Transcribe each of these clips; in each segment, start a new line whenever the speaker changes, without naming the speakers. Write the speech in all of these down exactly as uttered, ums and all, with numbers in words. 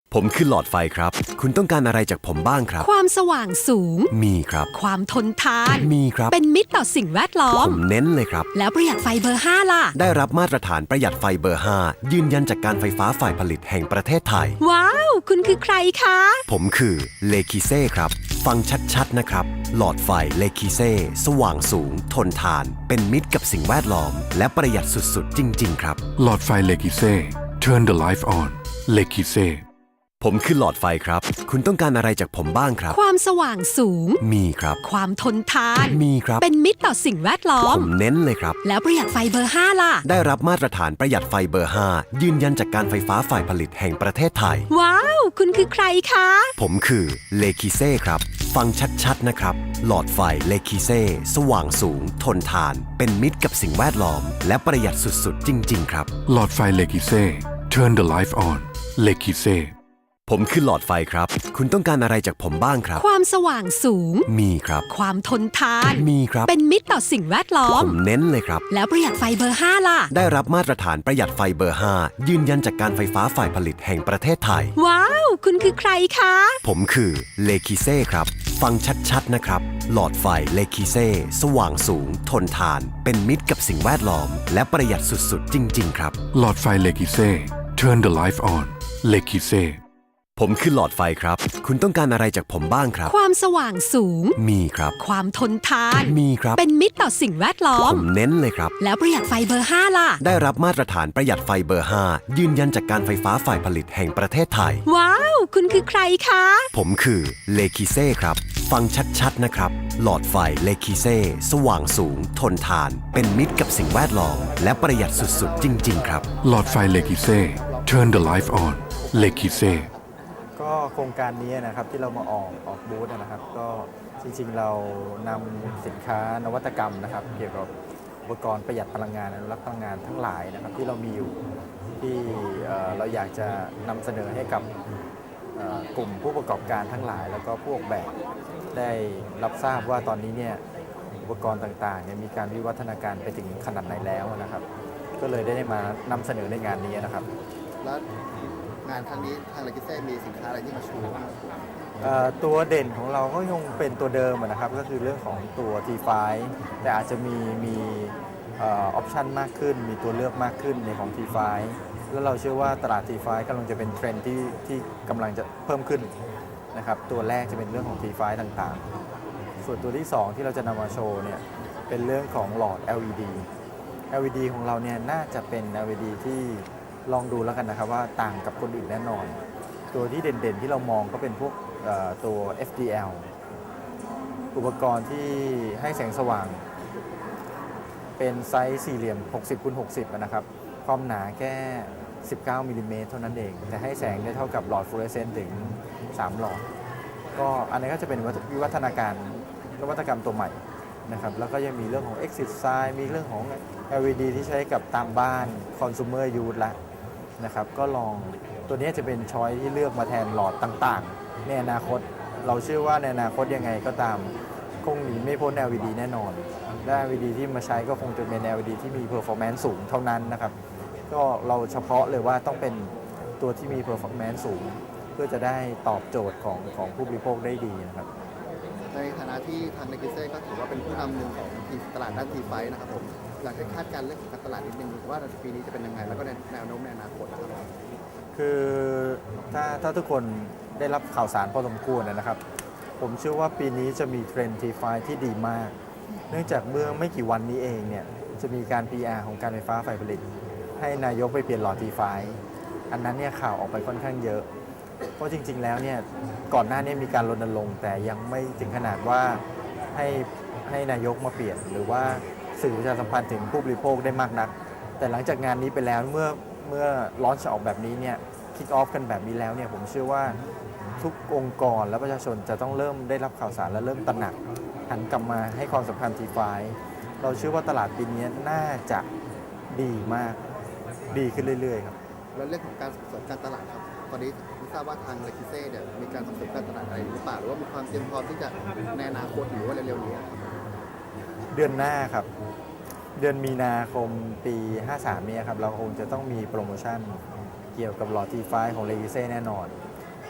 ผมคือหลอดไฟครับ คุณต้องการอะไรจากผมบ้างครับ
ความสว่างสูง
มีครับ
ความทนทาน
มีครับ
เป็นมิตรต่อสิ่งแวดล้อ
ผม มเน้นเลยครับ
แล้วประหยัดไฟเบอร์ห้าล่ะ
ได้รับมาตรฐานประหยัดไฟเบอร์ ห้า ยืนยันจากการไฟฟ้าฝ่ายผลิตแห่งประเทศไทย
ว้าว คุณคือใครคะ
ผมคือเลคิเซ่ครับ ฟังชัดๆนะครับ หลอดไฟเลคิเซ่สว่างสูง ทนทาน เป็นมิตรกับสิ่งแวดล้อม และประหยัดสุดๆ จริงๆ ครับ
หลอดไฟเลกิเซ่ Turn the life on เลกิเซ่
ผมคือหลอดไฟครับ คุณต้องการอะไรจากผมบ้างครับ
ความสว่างสูง
มีครับ
ความทนทาน
มีครับ
เป็นมิตรต่อสิ่งแวดล้อ
ผม มเน้นเลยครับ
แล้วประหยัดไฟเบอร์ห้าล่ะ
ได้รับมาตรฐานประหยัดไฟเบอร์ ห้า ยืนยันจากการไฟฟ้าฝ่ายผลิตแห่งประเทศไทย
ว้าว คุณคือใครคะ
ผมคือเลคิเซ่ครับ ฟังชัดๆนะครับ หลอดไฟเลคิเซ่สว่างสูง ทนทาน เป็นมิตรกับสิ่งแวดล้อม และประหยัดสุดๆ จริงๆ ครับ
หลอดไฟเลกิเซ่ Turn the life on เลกิเซ่
ผมคือหลอดไฟครับ คุณต้องการอะไรจากผมบ้างครับ
ความสว่างสูง
มีครับ
ความทนทาน
มีครับ
เป็นมิตรต่อสิ่งแวดล้อ
ผม มเน้นเลยครับ
แล้วประหยัดไฟเบอร์ห้าล่ะ
ได้รับมาตรฐานประหยัดไฟเบอร์ ห้า ยืนยันจากการไฟฟ้าฝ่ายผลิตแห่งประเทศไทย
ว้าว คุณคือใครคะ
ผมคือเลคิเซ่ครับ ฟังชัดๆนะครับ หลอดไฟเลคิเซ่สว่างสูง ทนทาน เป็นมิตรกับสิ่งแวดล้อม และประหยัดสุดๆ จริงๆ ครับ
หลอดไฟเลกิเซ่ Turn the life on เลกิเซ่
ผมคือหลอดไฟครับ คุณต้องการอะไรจากผมบ้างครับ
ความสว่างสูง
มีครับ
ความทนทาน
มีครับ
เป็นมิตรต่อสิ่งแวดล้อ
ผม มเน้นเลยครับ
แล้วประหยัดไฟเบอร์ห้าล่ะ
ได้รับมาตรฐานประหยัดไฟเบอร์ ห้า ยืนยันจากการไฟฟ้าฝ่ายผลิตแห่งประเทศไทย
ว้าว คุณคือใครคะ
ผมคือเลคิเซ่ครับ ฟังชัดๆนะครับ หลอดไฟเลคิเซ่สว่างสูง ทนทาน เป็นมิตรกับสิ่งแวดล้อม และประหยัดสุดๆ จริงๆ ครับ
หลอดไฟเลกิเซ่ Turn the life on เลกิเซ่
ก็โครงการนี้นะครับที่เรามาออกออกบูธนะครับ ก็จริงๆเรานำสินค้านวัตกรรมนะครับ เกี่ยวกับอุปกรณ์ประหยัดพลังงานอนุรักษ์พลังงานทั้งหลายนะครับที่เรามีอยู่ที่เอ่อเราอยากจะนำเสนอให้กับเอ่อกลุ่มผู้ประกอบการทั้งหลาย แล้วก็ผู้ออกแบบได้รับทราบว่าตอนนี้เนี่ยอุปกรณ์ต่างๆเนี่ยมีการวิวัฒนาการไปถึงขนาดไหนแล้วนะครับ ก็เลยได้มานำเสนอในงานนี้นะครับ
แล้วงานครั้งนี้ทางเลกิเซ่มีสินค้าอะไรที่มาโชว์บ้าง
เอ่อตัวเด่นของเราก็ยังเป็นตัวเดิมอะนะครับก็คือเรื่องของตัว ที ไฟว์ แต่อาจจะมีมีเออปชันมากขึ้น มีตัวเลือกมากขึ้นในของ ที ไฟว์ แล้วเราเชื่อว่าตลาด ที ไฟว์ กำลังจะเป็นเทรนด์ที่ที่กำลังจะเพิ่มขึ้นนะครับตัวแรกจะเป็นเรื่องของ ที ไฟว์ ต่างๆ ส่วนตัวที่สองที่เราจะนำมาโชว์เนี่ยเป็นเรื่องของหลอด แอล อี ดี แอล อี ดี ของเราเนี่ยน่าจะเป็น แอล อี ดี ที่ลองดูแล้วกันนะครับว่าต่างกับคนอื่นแน่นอน ตัวที่เด่นๆที่เรามองก็เป็นพวกเอ่อตัว เอฟ ดี แอล อุปกรณ์ที่ให้แสงสว่าง เป็นไซส์สี่เหลี่ยม หกสิบคูณหกสิบ นะครับ ความหนาแค่ สิบเก้ามิลลิเมตรเท่านั้นเอง แต่ให้แสงได้เท่ากับหลอดฟลูออเรสเซนต์ถึง สาม หลอด ก็อันนี้ก็จะเป็นวิวัฒนาการนวัตกรรมตัวใหม่นะครับ แล้วก็ยังมีเรื่องของ Exit Sign มีเรื่องของ แอล อี ดี ที่ใช้กับตามบ้าน Consumer Use ละนะครับ ก็ลองตัวนี้จะเป็นช้อยที่เลือกมาแทนหลอดต่างๆ ในอนาคต เราเชื่อว่าในอนาคตยังไงก็ตามคงหนีไม่พ้น แอล อี ดี แน่นอน และ แอล อี ดี ที่มาใช้ก็คงจะเป็น แอล อี ดี ที่มี performance สูงเท่านั้นนะครับ ก็เราเฉพาะเลยว่าต้องเป็นตัวที่มี performance สูง เพื่อจะได้ตอบโจทย์ของของผู้บริโภคได้ดีนะครับ
ในฐานะที่ทางเลกิเซ่ก็ถือว่าเป็นผู้นำหนึ่งของตลาดด้านทีไฟนะครับผมอยากให้คาดการณ์เรื่องของการตลาดนิดนึงว่าปีนี้จะเป็นยังไงแล้วก็ในแนวโน้มในอนาคตนะครับ
คือถ้าถ้าทุกคนได้รับข่าวสารพอสมควรนะครับ ผมเชื่อว่าปีนี้จะมีเทรนด์ ที ไฟว์ ที่ดีมาก เนื่องจากเมื่อไม่กี่วันนี้เองเนี่ยจะมีการ พี อาร์ ของการไฟฟ้าฝ่ายผลิต ให้นายกไปเปลี่ยนหลอด ที ไฟว์ อันนั้นเนี่ยข่าวออกไปค่อนข้างเยอะ เพราะจริงๆแล้วเนี่ยก่อนหน้านี้มีการรณรงค์แต่ยังไม่ถึงขนาดว่าให้ให้นายกมาเปลี่ยน หรือว่าสื่อประชาสัมพันธ์ถึงผู้บริโภคได้มากนัก แต่หลังจากงานนี้ไปแล้วเมื่อเมื่อลอนช์ออกแบบนี้เนี่ยคิกออฟกันแบบนี้แล้วเนี่ยผมเชื่อว่าทุกองค์กรและประชาชนจะต้องเริ่มได้รับข่าวสารและเริ่มตระหนักหันกลับมาให้ความสำคัญ ที ไฟว์ เราเชื่อว่าตลาดปีนี้น่าจะดีมากดีขึ้นเรื่อยๆครับ
แล้วเรื่องของการส่งเสริมการตลาดครับตอนนี้ไม่ทราบว่าทางเลกิเซ่เนี่ยมีการส่งเสริมการตลาดอะไรหรือเปล่าหรือว่ามีความเตรียมพร้อมที่จะในอนาคตหรือว่าเร็วๆนี้ครับ
เดือนหน้าครับ เดือนมีนาคมปี ห้าสาม นี้ครับเราคงจะต้องมีโปรโมชั่นเกี่ยวกับหลอด ที ไฟว์ ของเลกิเซ่แน่นอน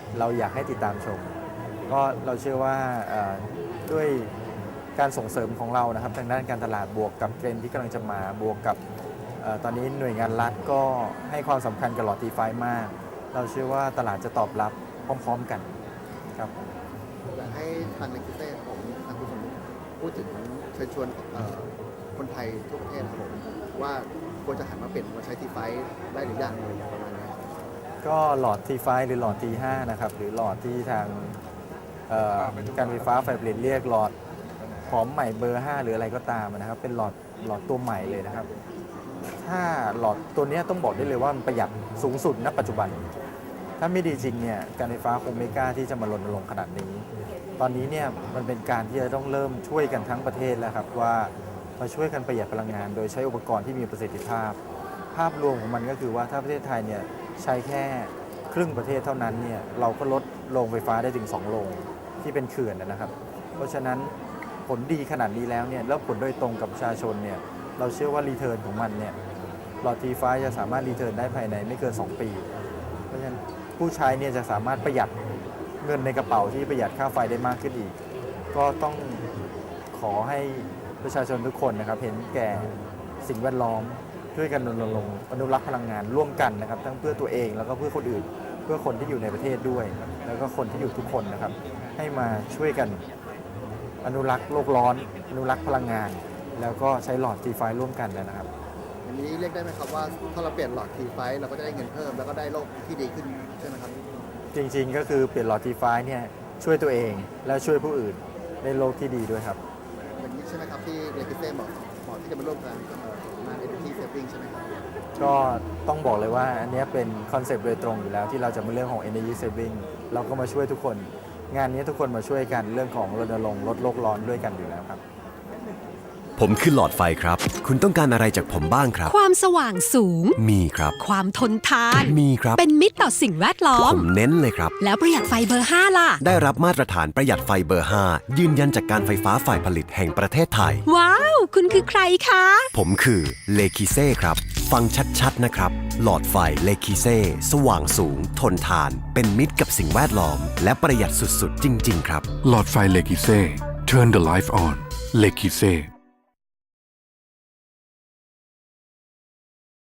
เราอยากให้ติดตามชม ก็เราเชื่อว่าเอ่อด้วยการส่งเสริมของเรานะครับทางด้านการตลาดบวกกับเทรนด์ที่กำลังจะมาบวกกับเอ่อตอนนี้หน่วยงานรัฐก็ให้ความสำคัญกับหลอด ที ไฟว์ มาก เราเชื่อว่าตลาดจะตอบรับพร้อมๆกันครับ
อยากให้ทางเลกิเซ่ครับผมทางคุณสมมุติพูดถึงเชิญชวนเอ่อคนไทยทั่วประเทศนะครับผมว่าควรจะหันมาเปลี่ยนมาใช้ทีไฟได้หรือยังอะไรประมาณนี้
ก็หลอด ที ไฟว์ หรือหลอด ที ไฟว์ นะครับหรือหลอดที่ทางเอ่อการไฟฟ้าฝ่ายผลิตเรียกหลอดหอมใหม่เบอร์ ห้า หรืออะไรก็ตามนะครับเป็นหลอดหลอดตัวใหม่เลยนะครับ ถ้าหลอดตัวเนี้ยต้องบอกได้เลยว่ามันประหยัดสูงสุดณปัจจุบัน ถ้าไม่ดีจริงเนี่ยการไฟฟ้าคงไม่กล้าที่จะมารณรงค์ขนาดนี้ ตอนนี้เนี่ยมันเป็นการที่จะต้องเริ่มช่วยกันทั้งประเทศแล้วครับว่ามาช่วยกันประหยัดพลังงาน โดยใช้อุปกรณ์ที่มีประสิทธิภาพ ภาพรวมของมันก็คือว่าถ้าประเทศไทยเนี่ยใช้แค่ครึ่งประเทศเท่านั้นเนี่ยเราก็ลดโรงไฟฟ้าได้ถึงสองโรงที่เป็นเขื่อนนะครับ เพราะฉะนั้นผลดีขนาดนี้แล้วเนี่ยแล้วผลโดยตรงกับประชาชนเนี่ยเราเชื่อว่ารีเทิร์นของมันเนี่ยหลอด ที ไฟว์ จะสามารถรีเทิร์นได้ภายในไม่เกินสองปี เพราะฉะนั้นผู้ใช้เนี่ยจะสามารถประหยัดเงินในกระเป๋าที่ประหยัดค่าไฟได้มากขึ้นอีก ก็ต้องขอให้ประชาชนทุกคนนะครับเห็นแก่สิ่งแวดล้อมช่วยกันรณรงค์อนุรักษ์พลังงานร่วมกันนะครับทั้งเพื่อตัวเองแล้วก็เพื่อคนอื่น เพื่อคนที่อยู่ในประเทศด้วย แล้วก็คนที่อยู่ทุกคนนะครับให้มาช่วยกันอนุรักษ์โลกร้อนอนุรักษ์พลังงาน แล้วก็ใช้หลอด ที ไฟว์ ร่วมกันนะครับ
อันนี้เรียกได้ไหมครับว่าถ้าเราเปลี่ยนหลอดทีไฟเราก็จะได้เงินเพิ่มแล้วก็ได้โลกที่ดีขึ้นใช่ไหมครับ
จริงๆ ก็คือเปลี่ยนหลอด ที ไฟว์ เนี่ยช่วยตัวเองและช่วยผู้อื่นในโลกที่ดีด้วยครับ
อย่างนี้ใช่ไหมครับที่เลกิเซ่เหมาะเหมาะที่จะมาร่วมกันเอ่องาน Energy Saving ใช่ไหมครับ
ก็ต้องบอกเลยว่าอันเนี้ยเป็นคอนเซปต์โดยตรงอยู่แล้วที่เราจะมาเรื่องของ Energy Saving เราก็มาช่วยทุกคน งานนี้ทุกคนมาช่วยกันเรื่องของรณรงค์ลดโลกร้อนด้วยกันอยู่แล้วครับ
ผมคือหลอดไฟครับ คุณต้องการอะไรจากผมบ้างครับ
ความสว่างสูง
มีครับ
ความทนทาน
มีครับ
เป็นมิตรต่อสิ่งแวดล้อ
ผม มเน้นเลยครับ
แล้วประหยัดไฟเบอร์ ห้า ล่ะ
ได้รับมาตรฐานประหยัดไฟเบอร์ ห้า ยืนยันจากการไฟฟ้าฝ่ายผลิตแห่งประเทศไทย
ว้าว คุณคือใครคะ
ผมคือเลคิเซ่ครับ ฟังชัดๆนะครับ หลอดไฟเลคิเซ่สว่างสูง ทนทาน เป็นมิตรกับสิ่งแวดล้อม และประหยัดสุดๆ จริงๆ ครับ
หลอดไฟเลกิเซ่ Turn the life on เลกิเซ่